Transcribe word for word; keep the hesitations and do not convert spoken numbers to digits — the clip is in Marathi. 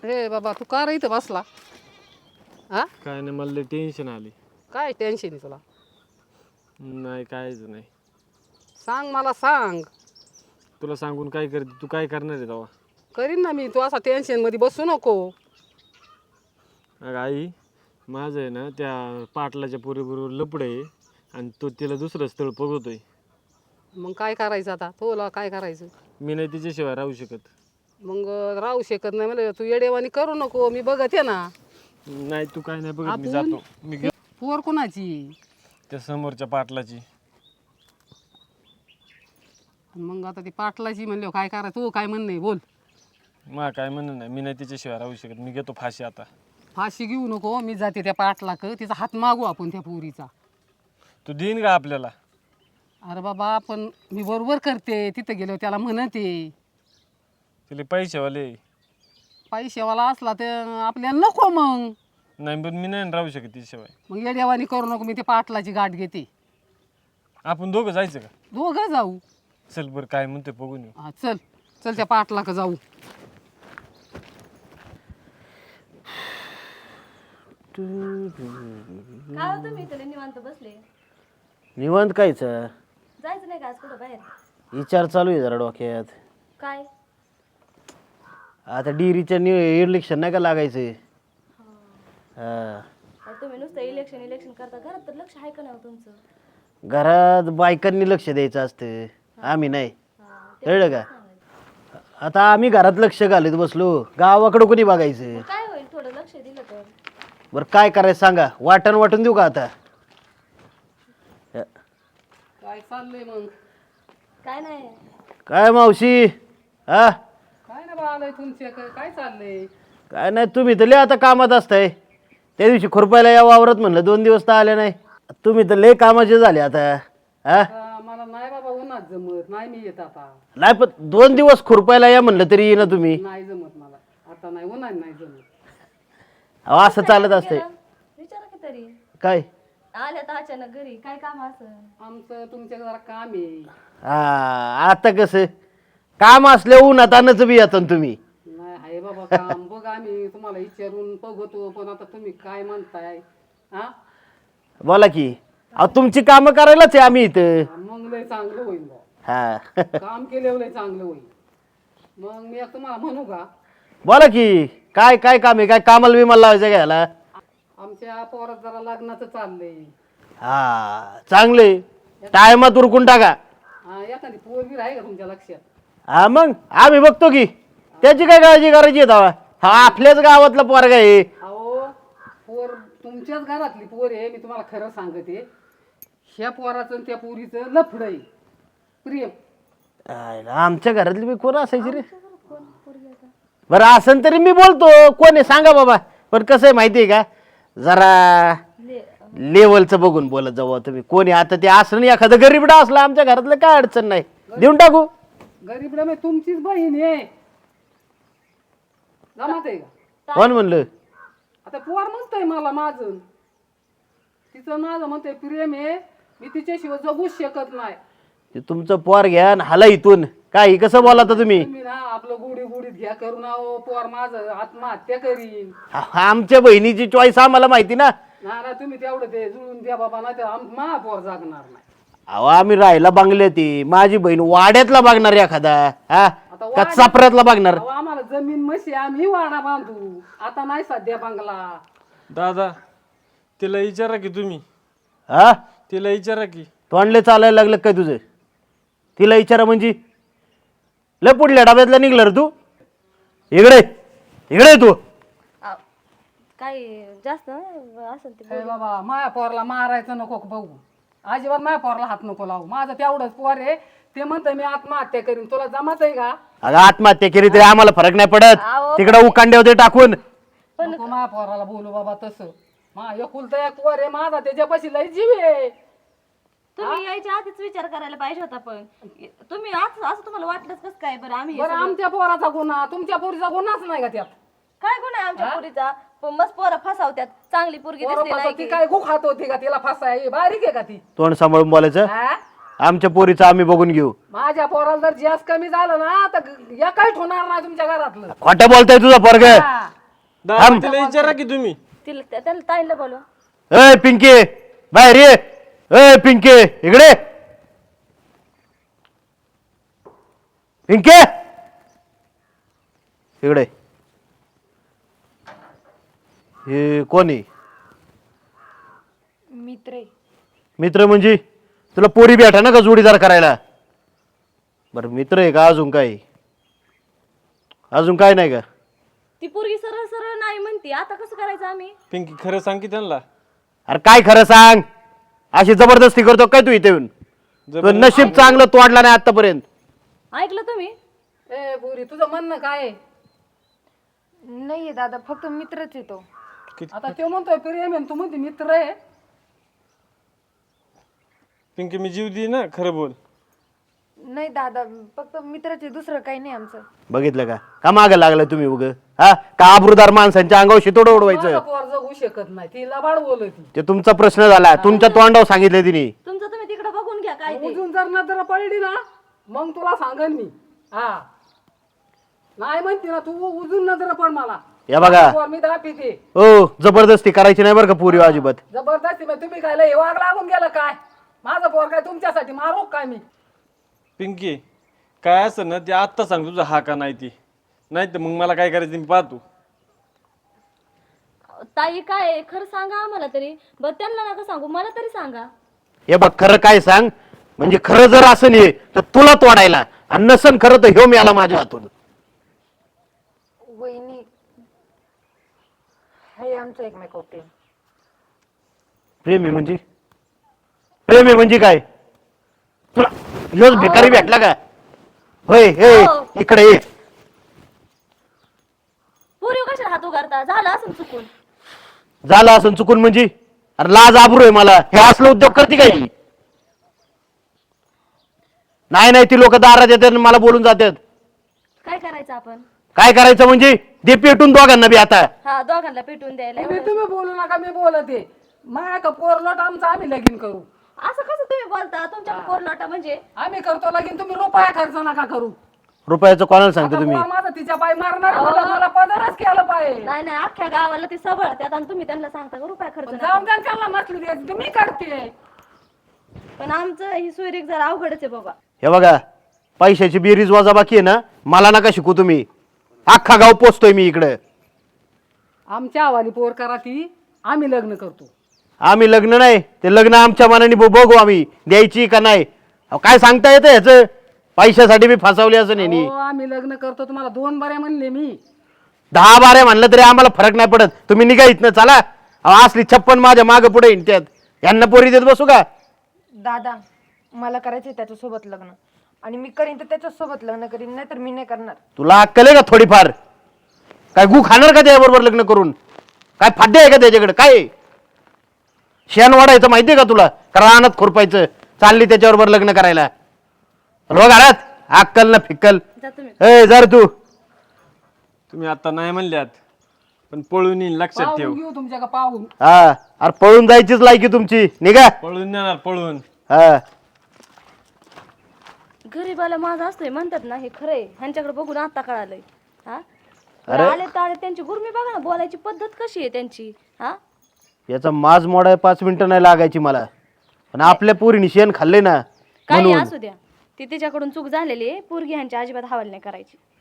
हे बाबा तू का रे इथं बसला? हा काय नाही, मला टेन्शन आली. काय टेन्शन आहे तुला? नाही कायच नाही. सांग मला सांग. तुला सांगून काय करते? तू काय करणार आहे तेव्हा? करीन ना मी. तू असा टेन्शन मध्ये बसू नको. अगं आई, माझं आहे ना त्या पाटलाच्या पोरीबरोबर लपड आहे आणि तो तिला दुसरं स्थळ बघतोय. मग काय करायचं आता? तुला काय करायचं? मी नाही तिच्याशिवाय राहू शकत. मग राहू शकत नाही म्हणजे तू येडेवानी करू नको. मी बघते ना. नाही तू काय नाही बघत, मी आपण- जातो. मी गे- पोर कोणाची? त्या समोरच्या पाटलाची. मग आता ती पाटलाची म्हणले काय करायचं? तू काय म्हणणे बोल. मा काय म्हणणं नाही, मी नाही तिच्याशिवाय राहू शकत. मी घेतो फाशी आता. फाशी घेऊ नको. मी जाते त्या पाटलाक. तिचा हात मागू आपण त्या पोरीचा. तू देईन का आपल्याला? अरे बाबा पण मी बरोबर करते. तिथं गेलो त्याला म्हणते. तिला पैसेवाले. पैशावाला असला तर आपल्याला नको मग. नाही पण मी नाही राहू शकत तिच्याशिवाय. मग येड्यावानी करू नको. मी ते पाटलाची गाठ घेते. आपण दोघं जायचं का? दोघं जाऊ. चल बरं, काय म्हणते बघून येऊ. हा चल चल त्या पाटलाक जाऊ. काय होतं मी इथं निवांत बसले. निवांत कायचं जायचं नाही का आज कुठं बाहेर? विचार चालू आहे जरा डोक्यात. काय? आता डिरीच्या इलेक्शन नाही का लागायचं? हा. अहो, तुम्ही नुसतं इलेक्शन इलेक्शन करता. घरात तर लक्ष आहे का नाही हो तुमचं? घरात बायकांनी लक्ष द्यायचं असतं, आम्ही नाही. हा, ते कळलं का? सांगायचं. आता आम्ही घरात लक्ष घालत बसलो, गावाकडं कोणी बघायचं? मग काय होईल थोडं लक्ष दिलं तर? बरं काय करायचं सांगा, वाटण वाटून देऊ का आता? काय चाललंय मग? काय नाही. काय मावशी? हा काय ना बा आलंय तुमच्या काय चाललंय? काय नाही, तुम्ही तर लय आता कामात असताय. त्या दिवशी खुरपायला या वावरत म्हणलं, दोन दिवस तर आले नाही. तुम्ही तर लय कामाचे झाले आता. हा आता मला नाही बाबा उन्हात जमत. नाही मी येत आता. नाही पण दोन दिवस खुरपायला या म्हणलं तरी येईना तुम्ही. नाही जमत मला आता. नाही उन्हात नाही जमत. अहो, असं चालत असतंय. विचारा की तरी. काय आल्या तर अचानक घरी काय काम असं? आमचं तुमच्या जरा काम आहे. हा आता कसं काम असल्या उन्हात आणच बी येतात तुम्ही. नाही आहे बाबा काम. बघ आम्ही तुम्हाला विचारून बघतो पण आता तुम्ही काय म्हणताय? हा बोला की. अहो तुमची कामं करायलाच आहे आम्ही इथं. मग लय चांगलं होईल बा. हा काम केल्यावर लय चांगलं होईल. मग मी एक तुम्हाला म्हणू का? बोला की. काय काय काम आहे? काय कामाला बिमाला लावायचं घ्यायला? आमच्या पोरात जरा लग्नाचं चाललंय. हा चांगले टायमात उरकून टाका. हा एखादी पोरगी आहे का तुमच्या लक्षात? हा मग आम्ही बघतो की. त्याची काय काळजी करायची आहे तेव्हा? हा आपल्याच गावातला पोरगा आहे. अहो पोर तुमच्याच घरातली पोर आहे. मी तुम्हाला खरं सांगते. ह्या पोराचं आणि त्या पोरीचं लफड आहे. प्रेम. आयला, आमच्या घरातली बी कोण असायची रे? बरं असन तरी मी बोलतो. कोण आहे सांगा बाबा. पण कसं आहे माहिती आहे का, जरा लेवलचं बघून बोलत जाऊ तुम्ही. कोणी आता ते असं नाही, एखादं गरीबडा असला आमच्या घरातलं काय अडचण नाही, देऊन टाकू. गरीब रमे तुमचीच बहीण आहे. जमात आहे का? कोण म्हणलं? आता पोर म्हणतोय मला माझं. तिचं माझं म्हणतोय प्रेम आहे. मी तिच्याशिवाय जगूच शकत नाही. ते तुमचं पोर घ्या आणि हाला इथून. काय कसं बोला तुम्ही? तुम्ही ना आपलं गुढी गुढीत घ्या करून. अहो पोर माझं आत्महत्या करीन. आ- आमच्या बहिणीची चॉईस आम्हाला माहिती ना. ना ना तुम्ही तेवढं ते जुळून द्या बाबा. नाही तर मा पोर जागणार नाही. अहो आम्ही राहायला बांगले ती. माझी बहीण वाड्यातला बघणार एखादा, हा आता का वाड्यात- चापऱ्यातला बघणार? अहो आम्हाला जमीन म्हशी आम्ही वाडा बांधू. आता नाही सध्या बंगला. दादा, तिला विचारा की तुम्ही. हा तिला विचारा की. तोंडले चालायला लागलं काय तुझं? तिला विचारा म्हणजे लय पुढल्या डब्यातला निघला रे तू. इकडे इकडे तू. आ, काय जास्त असेल ते हे बाबा माया पोरला मारायचं नको बघू. अजिबात माया पोरला हात नको लावू. माझं तेवढंच पोर आहे. ते म्हणतंय मी आत्महत्या करीन. तुला जमत आहे का? अगं आत्महत्या केली तरी आम्हाला फरक नाही पडत. अहो, तिकडे उकांडे होते टाकून. नको माया पोराला बोलू बाबा तसं. मा एकुलता एक पोर आहे माझा. त्याच्यापाशी लय जीव आहे. तुम्ही यायच्या आधीच विचार करायला पाहिजे होता. पण तुम्ही आज असं तुम्हाला वाटलंच कसं काय? बरं आम्ही हे बरं सगळं- आमच्या पोराचा गुन्हा तुमच्या पोरीचा गुन्हाच नाही का त्यात? काय गुन्हा आहे आमच्या पुरीचा? पण मस्त पोरं फसावत्यात. चांगली पोरगी दिसली पोरं नाही फसवती की. काय गुखात होती का तिला फसाय? बारीक आहे का ती? तोंड सांभाळून बोलायचं. हा? आमच्या पोरीचं आम्ही बघून घेऊ. माझ्या पोराला जर जास्त कमी झालं ना तर या काही होणार नाही तुमच्या घरातलं. खोटं बोलताय तुझा पोरग. हा. दादा तिला विचारा की तुम्ही. तिला त्या- त्याला ताईला बोलवा. ए पिंके बाहेर ये. ए पिंके इकडे. पिंके इकडे. हे कोणी मित्र आहे. मित्र म्हणजे तुला पोरी भेटा ना का जोडीदार करायला. बरं मित्र आहे का अजून काय अजून काय नाही का. ती पोरगी सरळ सरळ नाही म्हणते, आता कसं करायचं आम्ही? पिंकी खरं सांग की त्यांना. अरे काय खरं सांग. अशी जबरदस्ती करतो काय तू इथे येऊन. तुझं नशीब चांगलं तोडला नाही आतापर्यंत. ऐकलं तुम्ही? ए पुरी तुझं म्हणणं काय आहे? नाहीये दादा, फक्त मित्रच आहे तो. आता तो म्हणतोय प्रेम आहे, तू म्हणते मित्र आहे. पिंकी मी जीव दे ना, खरं बोल. नाही दादा, फक्त मित्रच आहे, दुसरं काही नाही आमचं. बघितलं का का मागं लागलं तुम्ही उग हा का आबरूदार माणसांच्या अंगावर शितोड माझा उडवायचं. पोर जगू शकत नाही, ती लबाड बोलती. ते तुमचा प्रश्न झाला. तुमच्या तोंडावर सांगितलं तिने. तुमचं तुम्ही तिकडे बघून घ्या काय ते. उजून जर नजर पडली ना मग तुला सांगन मी. हा नाही म्हणते ना तू, उजून नजर पड मला. या बघा पोर मी दाखवते. हो जबरदस्ती करायची नाही बरं का पुरी अजिबात. जबरदस्ती मग तुम्ही काय लय वाग लागून गेलं काय. माझं पोर काय तुमच्यासाठी मारू काय मी. पिंकी काय असं ना ते आत्ता सांग तुझा हा का नाही ती, नाही तर मग मला काय करायचं मी पाहतो. ताई काय आहे? खरं सांगा आम्हाला तरी. बरं त्यांना नका सांगू, मला तरी सांगा. हे बघ खरं काय सांग. म्हणजे खरं जर असं नाही तर तुला तोडायला, आणि नसन खरं तर ह्यो मिळाला माझ्या हातून. वहिनी हे आमचं एकमेकावर प्रेम. प्रेम आहे म्हणजे प्रेम आहे म्हणजे काय. तुला ह्योच भिकारी भेटला का. होय हे इकडे ये. पोरी कशा हात उगारता? झालं असं चुकून. झालं असं चुकून म्हणजे. अरे लाज आबरू आहे मला. हे असलं उद्योग करते काय. नाही नाही ती लोक दारात येतात आणि मला बोलून जातात. काय करायचं आपण? काय करायचं म्हणजे दे पेटून दोघांना बी आता. हा दोघांना पेटून द्यायला. तुम्ही तुम्ही बोलू नका, मी बोलते. माझ्या का पोर लोट आमचं आम्ही लगीन करू. असं कसं तुम्ही बोलता? तुमच्या पोर लोटा म्हणजे आम्ही करतो लगीन, तुम्ही रुपया खर्च नका करू. रुपयाचं कोणाला सांगतो आता तुम्ही. पोर माझं तिच्या पाय मारणार मला, मला पदरच केलं पाहिजे. नाही नाही, अख्ख्या गावाला ती सबळ त्यात आणि तुम्ही त्यांना सांगता का रुपया खर्च नका. जाऊन द्या त्यांना नसली द्यायची, तुम्ही करते. पण आमचं ही सोयरीक जरा अवघडच आहे बाबा. हे बघा पैशाची बेरीज वाजा बाकी आहे ना, मला नका शिकू तुम्ही. अख्खा गाव पोचतोय मी इकडे. आमच्या आवाली पोर करा ती, आम्ही लग्न करतो. आम्ही लग्न नाही ते लग्न आमच्या मनाने ब- बघू आम्ही द्यायची का नाही. अहो, काय सांगता येतं ह्याचं. पैशासाठी मी फसवली असं नाही. हो, आम्ही लग्न करतो. तुम्हाला दोन बऱ्या म्हणले मी. दहा बारा म्हणलं तरी आम्हाला फरक नाही पडत. तुम्ही निघा इथनं चला. अहो, असली छप्पन माझ्या मागे पुढे हिंडत्यात. यांना पोरी देत बसू का. दादा मला करायचंय त्याच्यासोबत लग्न, आणि मी करीन तर त्याच्यासोबत लग्न करीन, नाही तर मी नाही करणार. तुला अक्कल आहे का थोडीफार. काय गु खाणार का त्याच्याबरोबर लग्न करून. काय फाड्डे आहे का त्याच्याकडे. काय शेण वाढायचं माहितीये का तुला. का रानात खुरपायचं. चालली त्याच्याबरोबर लग्न करायला. रोग घरात अक्कल ना फिक्कल. जा तुम्ही. ए जर तू तुम्ही आता नाही म्हणल्यात पण पळून येईन लक्षात ठेव. पाहून घेऊ तुमच्या का पाहून. हा अरे पळून जायचीच लायकी तुमची. निघा. पळून येणार पळून. हा गरीबाला माझं असतोय म्हणतात ना, हे खरंय. ह्यांच्याकडे बघून आता कळालंय. हा आले तर आले त्यांची गुरमी बघा ना, बोलायची पद्धत कशी आहे त्यांची. हा याचा माज मोडाय पाच मिनिटं नाही लागायची मला. पण आपल्या पोरीने शेण खाल्ले ना काही म्हणून. असू द्या, ती तिच्याकडून चूक झालेली आहे. पोरगी ह्यांच्या अजिबात हवाल नाही करायची.